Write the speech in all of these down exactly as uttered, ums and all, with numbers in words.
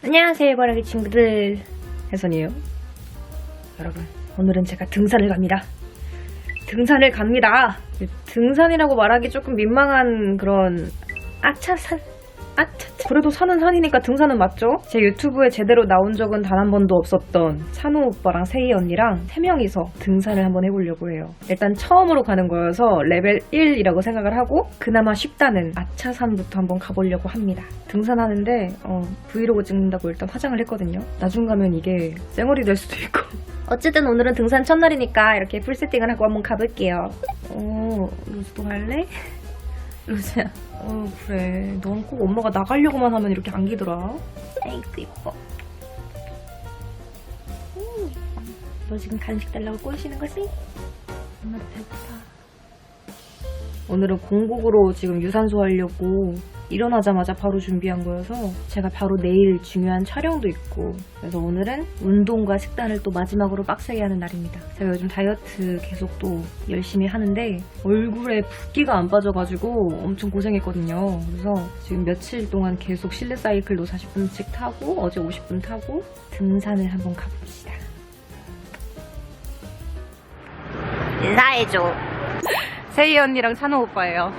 안녕하세요, 바라기 친구들. 혜선이에요. 여러분, 오늘은 제가 등산을 갑니다. 등산을 갑니다. 등산이라고 말하기 조금 민망한 그런 아차산? 아차차. 그래도 산은 산이니까 등산은 맞죠? 제 유튜브에 제대로 나온 적은 단 한 번도 없었던 찬호 오빠랑 세희 언니랑 세 명이서 등산을 한번 해보려고 해요. 일단 처음으로 가는 거여서 레벨 일이라고 생각을 하고 그나마 쉽다는 아차산부터 한번 가보려고 합니다. 등산하는데 어, 브이로그 찍는다고 일단 화장을 했거든요. 나중 가면 이게 쌩얼이 될 수도 있고. 어쨌든 오늘은 등산 첫날이니까 이렇게 풀 세팅을 하고 한번 가볼게요. 어, 루즈도 갈래? 루즈야. 어, 그래. 넌 꼭 엄마가 나가려고만 하면 이렇게 안기더라. 아이고, 이뻐. 음. 너 지금 간식 달라고 꼬시는 거지? 엄마 배고파. 오늘은 공복으로 지금 유산소 하려고 일어나자마자 바로 준비한 거여서 제가 바로 내일 중요한 촬영도 있고, 그래서 오늘은 운동과 식단을 또 마지막으로 빡세게 하는 날입니다. 제가 요즘 다이어트 계속 또 열심히 하는데 얼굴에 붓기가 안 빠져가지고 엄청 고생했거든요. 그래서 지금 며칠 동안 계속 실내 사이클로 사십 분씩 타고 어제 오십 분 타고 등산을 한번 가봅시다. 인사해줘. 세희 언니랑 찬호 오빠예요.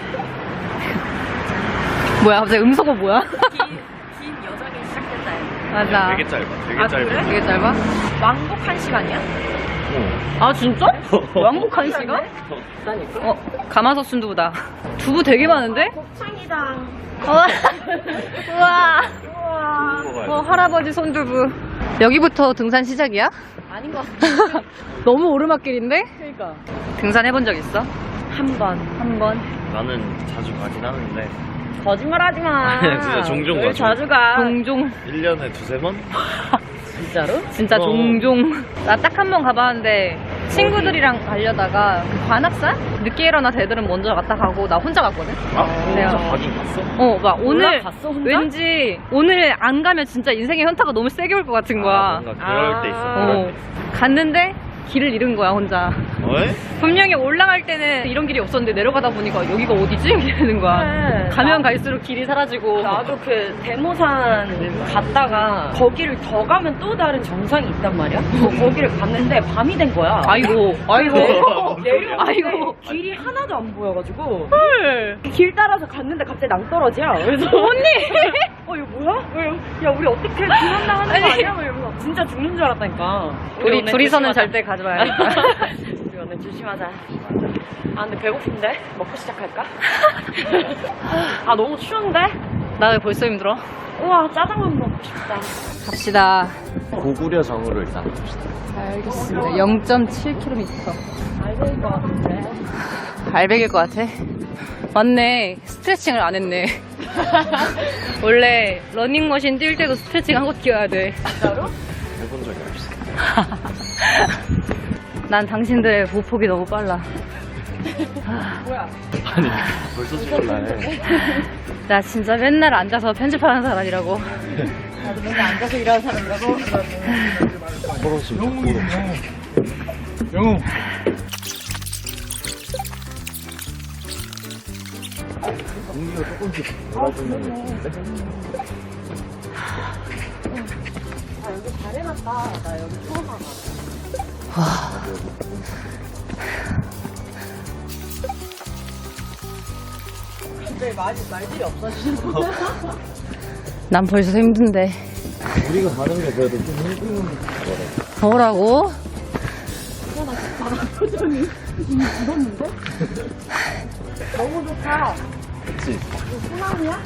뭐야, 갑자기 음소거 뭐야? 긴, 긴 여정이 시작된다. 맞아. 되게 짧아. 되게 아, 짧아. 그래? 되게 짧아? 왕복 한 시간이야? 어. 아, 진짜? 왕복 한 시간? 비싸니까. 어, 가마솥 순두부다. 두부 되게 많은데? 곱창이다. 우와. 우와. 우와. 어, 할아버지 손두부. 여기부터 등산 시작이야? 아닌 것 같아. 너무 오르막길인데? 그러니까. 등산 해본 적 있어? 한 번. 한 번. 나는 자주 가긴 하는데 거짓말 하지 마. 진짜 종종 왜 가죠. 자주 가. 종종. 일 년에 두세 번? 진짜로? 진짜 어. 종종. 나 딱 한 번 가봤는데 친구들이랑 가려다가 그 관악산? 늦게 일어나 애들은 먼저 갔다 가고 나 혼자 갔거든? 아, 내가- 혼자 가긴 갔어? 어, 막 오늘 올라갔어, 혼자? 왠지 오늘 안 가면 진짜 인생의 현타가 너무 세게 올 것 같은 거야. 아, 뭔가 그럴 아. 때 있어. 어, 그럴 때. 갔는데 길을 잃은 거야, 혼자. 어이? 분명히 올라갈 때는 이런 길이 없었는데 내려가다 보니까 여기가 어디지? 이러는 거야. 그래. 가면 나- 갈수록 길이 사라지고. 나도 그 대모산 갔다가 거기를 더 가면 또 다른 정상이 있단 말이야? 거기를 갔는데 밤이 된 거야. 아이고, 아이고. 내려. 아이고. 길이 하나도 안 보여가지고 헐. 길 따라서 갔는데 갑자기 낭떠러지야. 그래서 언니! 어 이거 뭐야? 왜, 야 우리 어떻게 죽는다 하는 거 아니. 아니야? 막 이러면서 진짜 죽는 줄 알았다니까. 우리 오늘 둘이서는 조심하자. 절대 가지 마야겠다. 우리 오늘 조심하자. 아 근데 배고픈데? 먹고 시작할까? 아 너무 추운데? 나 왜 벌써 힘들어? 우와 짜장면 먹고 싶다. 갑시다. 고구려 정으로 일단 갑시다. 알겠습니다. 영 점 칠 킬로미터. 알배일 것 같은데. 알백일 것 같아. 맞네. 스트레칭을 안 했네. 원래 러닝머신 뛸 때도 스트레칭 하고 뛰어야 돼. 진짜로? 해본 적이 없어. 난 당신들의 보폭이 너무 빨라. 뭐야? 아니, 벌써 죽을라 해. 나 진짜 맨날 앉아서 편집하는 사람이라고. 나도 맨날 앉아서 일하는 사람이라고? 걸어서 걸어. 영웅. 공기가 조금씩 돌아주는 느낌인데? 아 여기 잘 해놨다. 나 여기 처음 와봐. 근데 말, 말들이 없어지는 거. 난 벌써 힘든데. 우리가 가는 게 그래도 좀 힘든 거래. 뭐라고? 너무 좋다. 그치? 소나무야?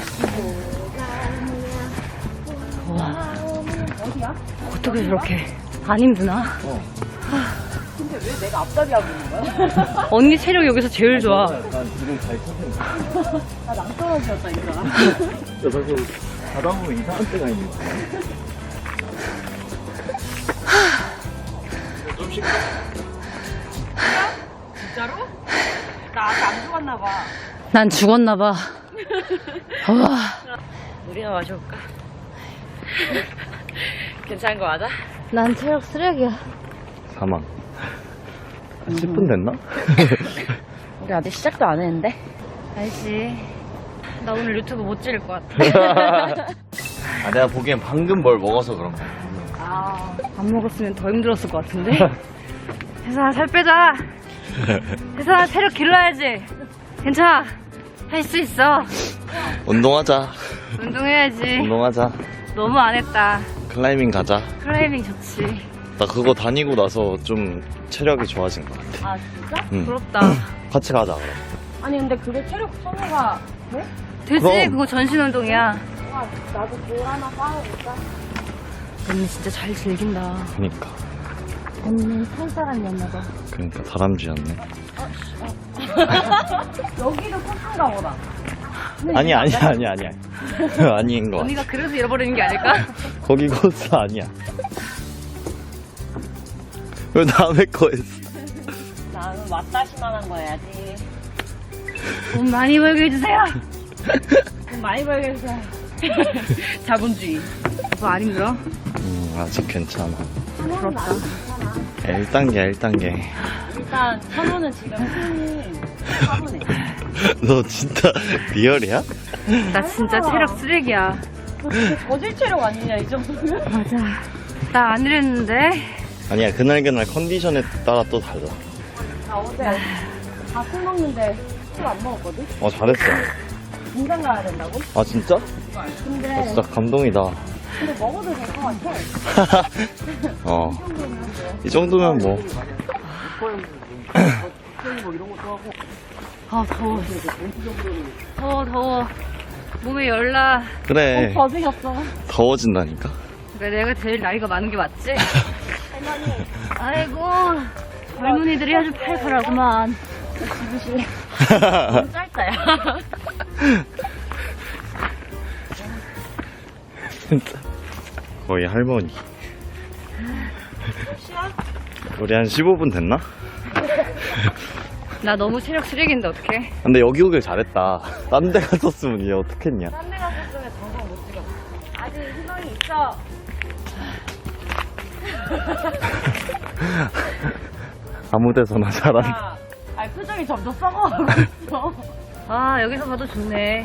와, 어디야? 어떻게 저렇게 안 힘드나? 어. 근데 왜 내가 앞다리 하고 있는 거야? 언니 체력 여기서 제일 좋아. 난 지금 잘 찾는 나 낭떠러지였다 이거. 야, 자꾸 가다 보면 이상한 때가 있는 거야. 좀 쉴까? 진짜로? 나 아직 안 죽었나 봐. 난 죽었나 봐. 와, 물이나 마셔볼까? 괜찮은 거 맞아? 난 체력 쓰레기야. 사망. 한 십 분 됐나? 우리 아직 시작도 안 했는데. 알지. 나 오늘 유튜브 못 찍을 것 같아. 아, 내가 보기엔 방금 뭘 먹어서 그런 거야. 아, 밥 먹었으면 더 힘들었을 것 같은데? 혜선아, 살 빼자. 혜선아, 체력 길러야지. 괜찮아. 할 수 있어. 운동하자. 운동해야지. 운동하자. 너무 안 했다. 클라이밍 가자. 클라이밍 좋지. 나 그거 다니고 나서 좀 체력이 좋아진 것 같아. 아 진짜? 응. 부럽다. 같이 가자, 그럼. 아니 근데 그게 체력 소모가 돼? 되지? 그럼. 그거 전신 운동이야. 아, 나도 볼 하나 쌓아볼까? 언니 진짜 잘 즐긴다. 그니까. 언니는 살 사람이었나봐. 그니까 다람쥐였네. 여기도 코스인가 보다. 아니, 아니, 아니, 아니. 아닌 거 같아. 언니가 그래서 잃어버리는 게 아닐까? 거기 코스 아니야. 왜 남의 거 했어? 나는 왔다시만 한 거 해야지. 돈 많이 벌게 해주세요. 돈 많이 벌게 해주세요. 자본주의. 오빠 안 힘들어? 음, 아직 괜찮아. 부럽다. 일 단계, 일 단계. 일단 천호는 지금 힘이 차분해. 너 진짜 리얼이야? 나 진짜 체력 쓰레기야. 너 진짜 저질 체력 아니냐 이 정도면? 맞아. 나 안 이랬는데. 아니야, 그날그날 컨디션에 따라 또 달라. 나 어제 밥술 먹는데 술 안 먹었거든? 어, 잘했어. 공장 가야 된다고? 아, 진짜? 근데 어, 진짜 감동이다. 근데 먹어도 될 것 같아. 어. 이 정도면 뭐. 아, 더워. 더워, 더워. 몸에 열나. 그래. 버즈셨어. 더워진다니까? 그래, 내가 제일 나이가 많은 게 맞지? 아이고, 젊은이들이 아주 팔팔하구만. 너무 짧다야. 진짜. 거의 할머니. 우리 한 십오 분 됐나? 나 너무 체력 쓰레기인데, 어떡해? 근데 여기 오길 잘했다. 딴 데 갔었으면 얘 어떡했냐. 딴 데 갔었으면 정상 못 찍어. 아직 희망이 있어. 아무 데서나 잘한. 야, 아니 표정이 점점 썩어가고 있어. 아, 여기서 봐도 좋네.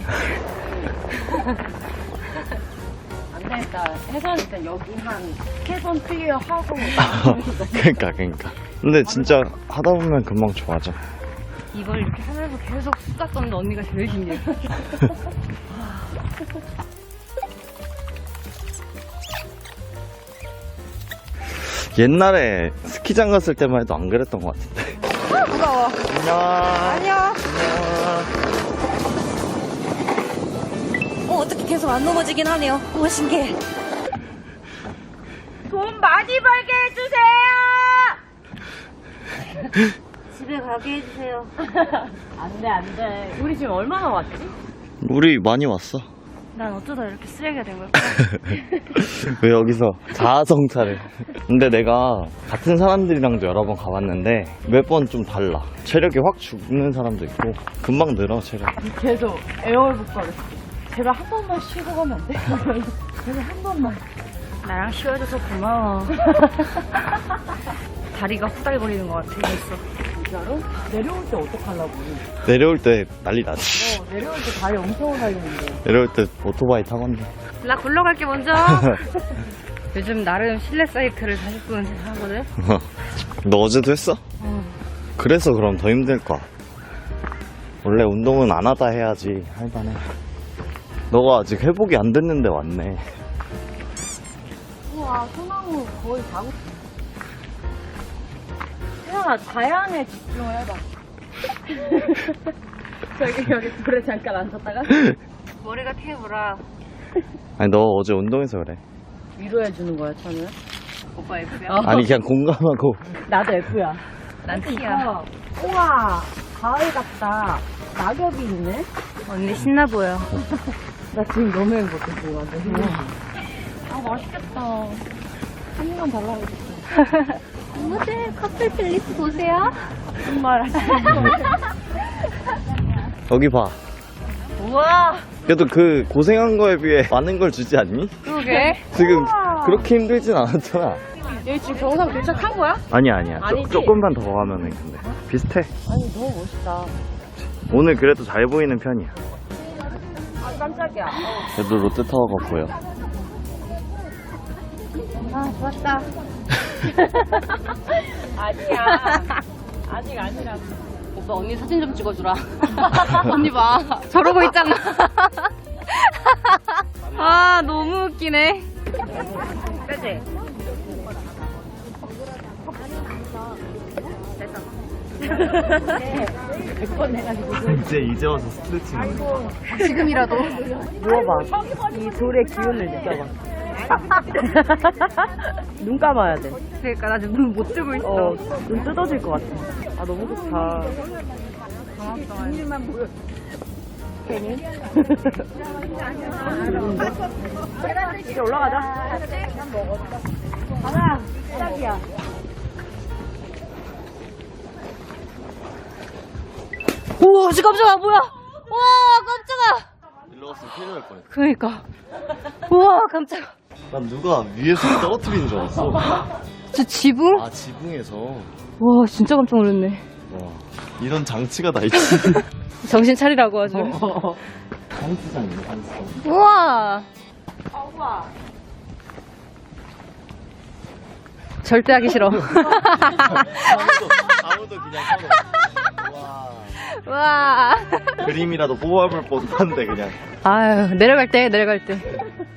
안 되겠다. 혜선 일단 여기 한 캐선 클리어 하고. 그니까, 그니까. 근데 진짜 하다 보면 금방 좋아져. 이걸 이렇게 하면서 계속 수다 떠는 언니가 제일 힘들어. 옛날에 스키장 갔을 때만 해도 안 그랬던 것 같은데. 무거워. 안녕. 아니야. 어, 어떻게 계속 안 넘어지긴 하네요. 오, 신기해. 돈 많이 벌게 해주세요. 집에 가게 해주세요. 안돼 안돼. 우리 지금 얼마나 왔지? 우리 많이 왔어. 난 어쩌다 이렇게 쓰레기가 된 걸까? 왜 여기서 자아성찰을. 근데 내가 같은 사람들이랑도 여러 번 가봤는데 몇 번 좀 달라. 체력이 확 죽는 사람도 있고 금방 늘어 체력. 계속 에어울북 거렸어. 제발 한 번만 쉬고 가면 안 돼? 제발 한 번만. 나랑 쉬어줘서 고마워. 다리가 후달거리는 것 같아, 벌써. 진짜로? 내려올 때 어떡하려고? 내려올 때 난리 나지. 어, 내려올 때 다리 엄청 달리는데. 내려올 때 오토바이 타건데. 나 굴러갈게, 먼저. 요즘 나름 실내 사이클을 사십 분 하거든? 너 어제도 했어? 어. 그래서 그럼 더 힘들 거야. 원래 운동은 안 하다 해야지 할만해. 너가 아직 회복이 안 됐는데 왔네. 우와, 소나무 거의 다. 혜연아, 자연에 집중을 해봐. 저기, 여기 불에 잠깐 앉았다가. 머리가 테이블아. 아니 너 어제 운동해서 그래. 위로해주는 거야, 저는. 오빠 F야? 어. 아니 그냥 공감하고. 나도 F야. 난 T야. 우와, 가을 같다. 낙엽이 있네? 언니 신나 보여. 나 지금 너무 행복해, 지금 완전. 아, 맛있겠다. 한 입만 달라고 했어. 어머들 커플 플리스 보세요. 정말. 여기 봐. 우와, 그래도 그 고생한 거에 비해 많은 걸 주지 않니? 그러게. 지금 우와. 그렇게 힘들진 않았잖아. 여기 지금 정상 도착한 거야? 아니야 아니야. 아니지? 조, 조금만 더 가면은 근데 비슷해. 아니, 너무 멋있다. 오늘 그래도 잘 보이는 편이야. 아, 깜짝이야. 그래도 롯데타워가 보여. 아, 좋았다. 아니야. 아직 아니라고. 오빠 언니 사진 좀 찍어주라. 언니 봐. 저러고 있잖아. 아, 너무 웃기네. 그치? 이제 이제 와서 스트레칭. 지금이라도. 누워봐. 이 돌의 기운을 느껴봐. 눈 감아야 돼. 그러니까 나 지금 눈 못 뜨고 있어. 어, 눈 뜯어질 것 같아. 아, 너무 좋다. 괜히? 이제 올라가자. 가자. 시작이야. 우와, 진짜 깜짝아, 뭐야? 와, 깜짝아. 일로 왔으면 큰일 날 뻔했어. 그러니까. 우와, 깜짝아. 난 누가 위에서 떨어뜨리는 줄 알았어. 저 지붕? 아 지붕에서. 와, 진짜 깜짝 놀랐네. 와 이런 장치가 다 있지. 정신 차리라고 아주. 장치장이네 장치장. 우와. 절대 하기 싫어. 아무도 아무도 그냥 서로. 와 와. 그림이라도 뽑아볼 법한데 그냥. 아유, 내려갈 때, 내려갈 때.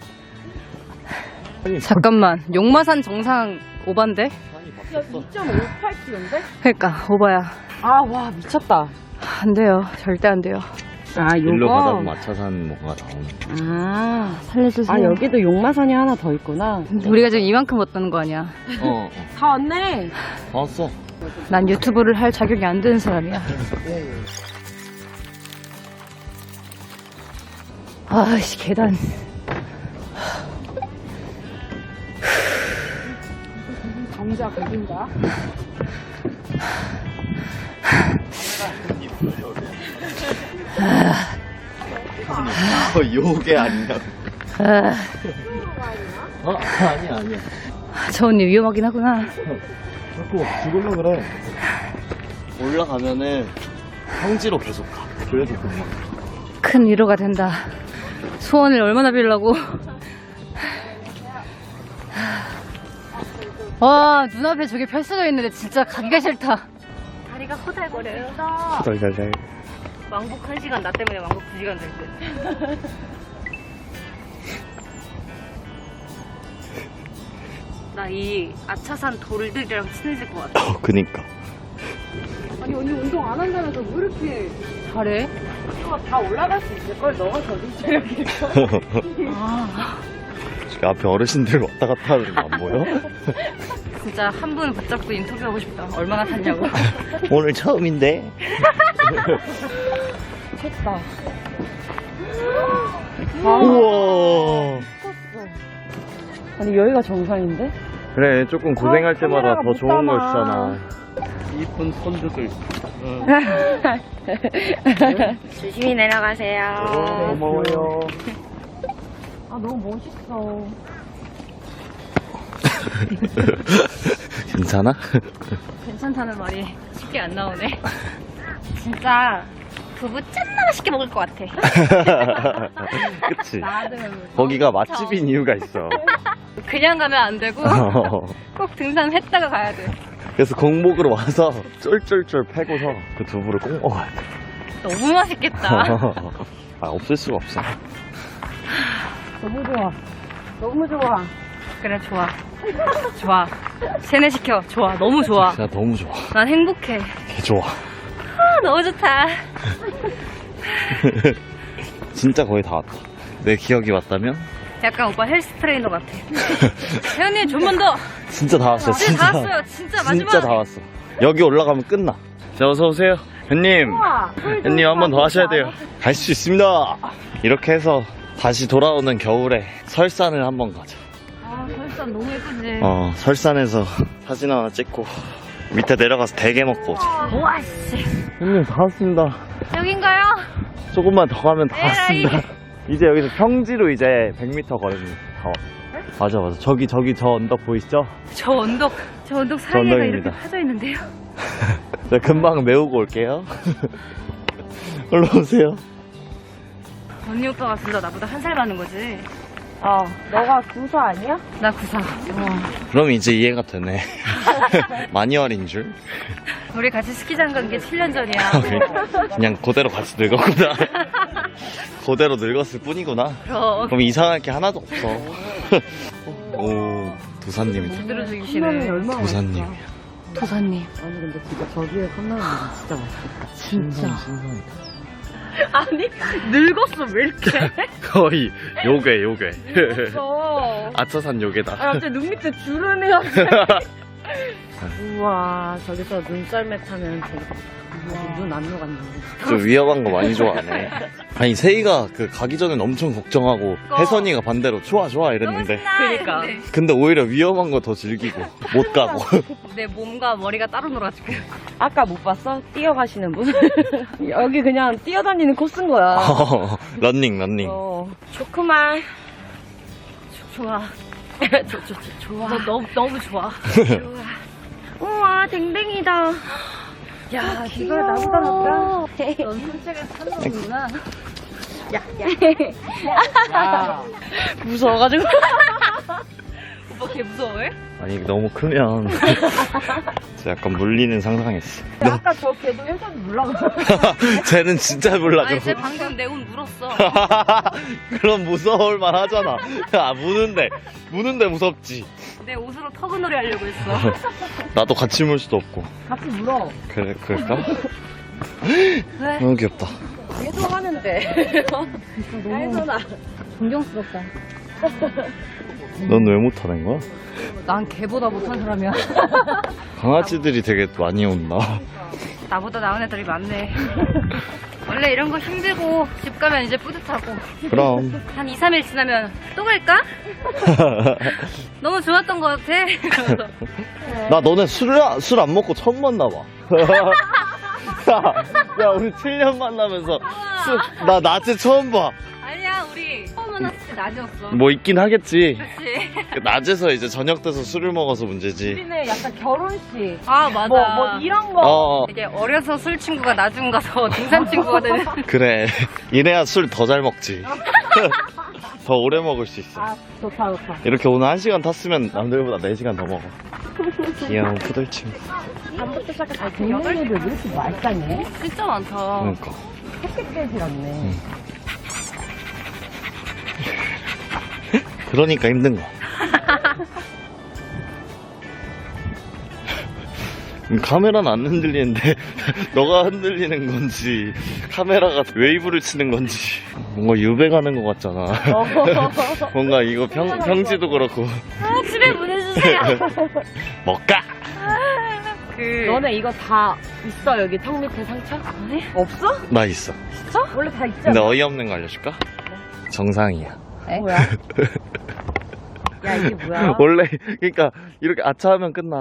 아니 잠깐만, 용마산 정상 오반데? 산이 바뀌었어. 이 점 오팔 킬로미터인데? 그러니까 오바야. 아, 와, 미쳤다. 안 돼요, 절대 안 돼요. 아, 요거. 일로 가다 보면 마차산 뭐가 나오는. 아, 살려주세요. 아, 여기도 용마산이 하나 더 있구나. 우리가 지금 이만큼 왔다는 거 아니야? 어, 어. 다 왔네. 다 왔어. 난 유튜브를 할 자격이 안 되는 사람이야. 아씨, 계단. 정자 거긴가? 어, 요게 아니냐고. 아, 어? 아니야 아니야. 저 언니 위험하긴 하구나. 자꾸 죽으려 그래. 올라가면은 평지로 계속 가. 그래도 금방. 큰 위로가 된다. 소원을 얼마나 빌려고. 와, 눈앞에 저게 펼쳐져 있는데 진짜 가기가 싫다. 다리가 호달거려요. 달달달. 왕복 한 시간, 나 때문에 왕복 두 시간 될 듯. 나 이 아차산 돌들이랑 친해질 것 같아. 어, 그니까. 아니, 언니 운동 안 한다면서 왜 이렇게. 잘해? 이거 다 올라갈 수 있을걸? 너가 저기 체력일걸? 아, 지금 앞에 어르신들 왔다 갔다 하는 거 안 보여? 진짜 한 분 붙잡고 인터뷰하고 싶다. 얼마나 탔냐고. 오늘 처음인데. 미쳤다. 우와. 아니, 여기가 정상인데? 그래 조금 고생할 아, 때마다 카메라가 더 못 좋은 걸 담아. 주잖아. 이쁜 손주들. 조심히 내려가세요. 고마워요. 아, 너무 멋있어. 괜찮아? 괜찮다는 말이 쉽게 안 나오네. 진짜 두부 짠나 맛있게 먹을 것 같아. 그치? 나는 거기가 맛집인 이유가 있어. 그냥 가면 안 되고 꼭 등산했다가 가야 돼. 그래서 공복으로 와서 쫄쫄쫄 패고서 그 두부를 꼭 먹어야 돼. 너무 맛있겠다. 아 없을 수가 없어. 너무 좋아. 너무 좋아. 그래, 좋아. 좋아. 세뇌시켜. 좋아. 너무 좋아. 진짜 너무 좋아. 난 행복해. 개 좋아. 아, 너무 좋다. 진짜 거의 다 왔다. 내 기억이 맞다면? 약간 오빠 헬스 트레이너 같아. 혜연님, 좀만 더. 진짜 다 왔어. 진짜 다 왔어요. 진짜 마지막. 진짜 다 왔어. 여기 올라가면 끝나. 자, 어서 오세요. 현님. 현님 한 번 더 하셔야 돼요. 갈 수 있습니다. 이렇게 해서 다시 돌아오는 겨울에 설산을 한번 가자. 아, 설산 너무 예쁘지. 어, 설산에서 사진 하나 찍고 밑에 내려가서 대게 먹고 오자. 우와, 씨. 형님 다 왔습니다. 여긴가요? 조금만 더 가면 다 에라이. 왔습니다. 이제 여기서 평지로 이제 백 미터 걸으면 다 왔어. 맞아 맞아. 저기 저기 저 언덕 보이시죠? 저 언덕, 저 언덕 사이에가 언덕입니다. 이렇게 파져 있는데요. 네, 금방 메우고 올게요. 올라오세요. 언니 오빠가 진짜 나보다 한 살 많은 거지. 어, 너가 구사 아니야? 나 구사. 그럼 이제 이해가 되네. 마니얼인 줄? 우리 같이 스키장 간 게 칠 년 전이야. 그냥 그대로 같이 늙었구나. 그대로 늙었을 뿐이구나. 그럼. 그럼 이상할 게 하나도 없어. 오, 도사님이다. 제대로 죽이시네. 얼마나 도사님이야. 도사님. 아니 근데 진짜 저기에 컵라면 진짜 맛있겠다. 진짜. 신선이다. 아니 늙었어 왜 이렇게? 거의 요괴, 요괴. 어. 아차산 요괴다. 아 갑자기 눈 밑에 주름이 우와 저기서 눈썰매 타면 눈안 녹았는데. 좀 위험한 거 많이 좋아하네. 아니, 세이가 그 가기 전엔 엄청 걱정하고, 혜선이가 반대로 좋아, 좋아 이랬는데. 그러니까. 근데 오히려 위험한 거 더 즐기고, 못 가고. 내 몸과 머리가 따로 놀아지고. 아까 못 봤어? 뛰어가시는 분? 여기 그냥 뛰어다니는 코스인 거야. 런닝, 런닝. 어. 좋구만. 좋아. 좋, 좋, 좋, 좋아. 너 너무, 너무 좋아. 우와 댕댕이다. 야, 이걸 나보다 낫다. 넌 산책을 타는 거구나. 무서워가지고. 오빠 걔 무서워해? 아니, 너무 크면. 진짜 약간 물리는 상상했어. 아까 저 걔도 예전 물라고. 쟤는 진짜 몰라, 아니, 쟤 그럼. 방금 내 옷 물었어. 그럼 무서울 만 하잖아. 야, 무는데. 무는데 무섭지. 내 옷으로 터그놀이 하려고 했어. 나도 같이 물 수도 없고. 같이 물어. 그래, 그럴까? 왜? 너무 귀엽다. 계속 하는데. 혜선아. 존경스럽다. 넌 왜 못하는 거야? 난 걔보다 못한 사람이야. 강아지들이 되게 많이 온다. 나보다 나은 애들이 많네. 원래 이런 거 힘들고 집 가면 이제 뿌듯하고 그럼. 한 이, 삼 일 지나면 또 갈까? 너무 좋았던 것 같아. 나 너네 술, 술 안 먹고 처음 만나봐. 야, 야, 우리 칠 년 만나면서 술, 나 낮에 처음 봐. 아니야, 우리 처음 만났을 때 낮이었어. 뭐 있긴 하겠지. 그치? 낮에서 이제 저녁 돼서 술을 먹어서 문제지. 우리는 약간 결혼식. 아, 맞아. 뭐, 뭐 이런 거. 어, 이게 어려서 술 친구가 나중 가서 등산 친구가 되는. 그래. 이래야 술 더 잘 먹지. 더 오래 먹을 수 있어. 아, 좋다, 좋다. 이렇게 오늘 한 시간 탔으면 남들보다 네 시간 더 먹어. 귀여운 푸들 친구. 밤부터 시작해서 동네들 왜 이렇게 말싸네? 진짜 많다. 그러니까. 햇빛 같네. 그러니까 힘든 거. 음, 카메라는 안 흔들리는데 너가 흔들리는 건지 카메라가 웨이브를 치는 건지 뭔가 유배가는 것 같잖아. 뭔가 이거 평, 평지도 그렇고. 아, 집에 보내주세요. 먹까? 그 너네 이거 다 있어, 여기 턱 밑에 상처? 아니? 없어? 나 있어. 진짜? 원래 다 있잖아. 근데 어이없는 거 알려줄까? 정상이야. 뭐야? 야, 이게 뭐야? 원래 그러니까 이렇게 아차하면 끝나.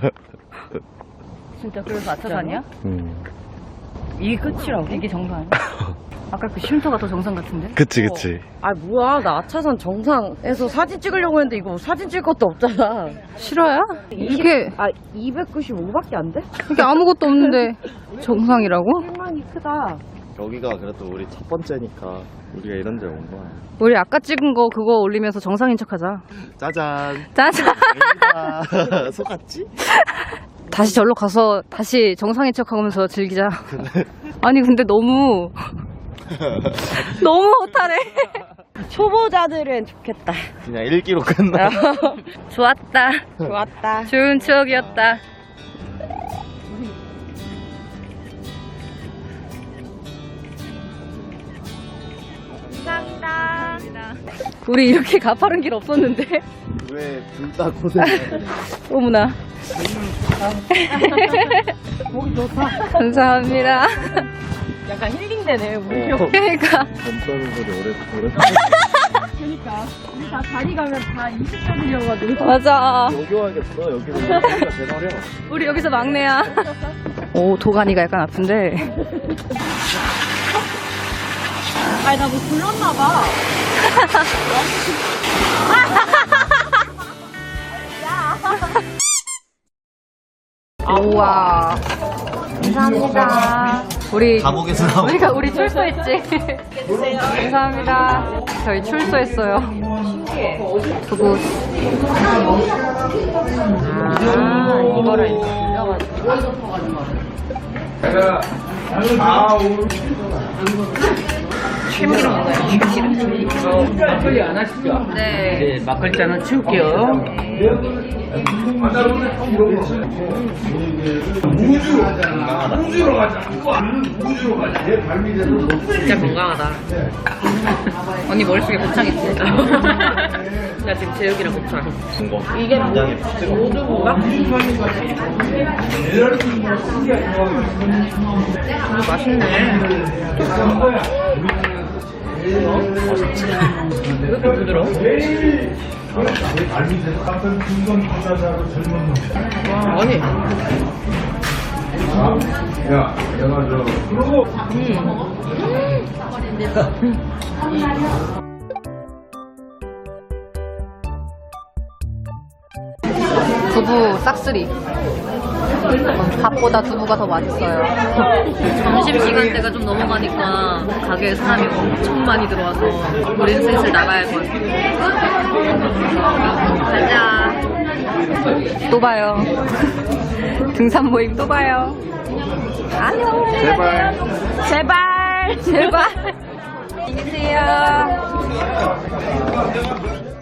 진짜 그래서 아차산이야? 음. 이게 끝이라고? 이게 정상 아니야? 아까 그 쉼터가 더 정상 같은데? 그치 그치. 아, 뭐야. 나 아차산 정상에서 사진 찍으려고 했는데 이거 사진 찍을 것도 없잖아. 실화야? 이게 아, 이백구십오밖에 안 돼? 이게 아무것도 없는데 정상이라고? 실망이 크다. 여기가 그래도 우리 첫 번째니까 우리가 이런 데 온 거야. 우리 아까 찍은 거 그거 올리면서 정상인 척하자. 짜잔. 짜잔. 여기다. 속았지? 다시 절로 가서 다시 정상인 척하면서 즐기자. 아니 근데 너무 너무 허탈해. 초보자들은 좋겠다. 그냥 일 기로 끝나. 좋았다. 좋았다. 좋은 추억이었다. 감사합니다. 우리 이렇게 가파른 길 없었는데. 왜 둘 다 고생해? 어머나. 보기 좋다. 감사합니다. 약간 힐링되네, 우리. 어. 그러니까 점 떠는 소리 오래 오래. 그러니까. 우리 다 다리 가면 다 이십 점이어가지고. 맞아. 여기 와야겠어. 여기는 여기가 제일 어려. 우리 여기서 막내야. 오, 도가니가 약간 아픈데. 아니, 나 뭐 불렀나봐. 우와. 감사합니다. 우리 감옥에서 우리가 우리 출소했지. 감사합니다. 저희 출소했어요. 두부. 아, 이거를 이렇게 빌려가지고. 참기름 먹어요, 참기름. 막걸리 안 하시죠? 네. 네, 막걸리 잔은 치울게요. 진짜 건강하다. 언니 머릿속에 곱창 있지? 나 지금 제육이랑 곱창. 이게 모두인가? 맛있네. 왜 이렇게 부드러워? 아니. 야, 내가 저 두부 싹쓸이. 밥보다 두부가 더 맛있어요. 점심시간대가 좀 넘어가니까 가게에 사람이 엄청 많이 들어와서 우린 슬슬 나가야 할 것 같아. 가자. 또 봐요. 등산 모임 또 봐요. 안녕. 제발. 제발. 제발. 안녕히 계세요.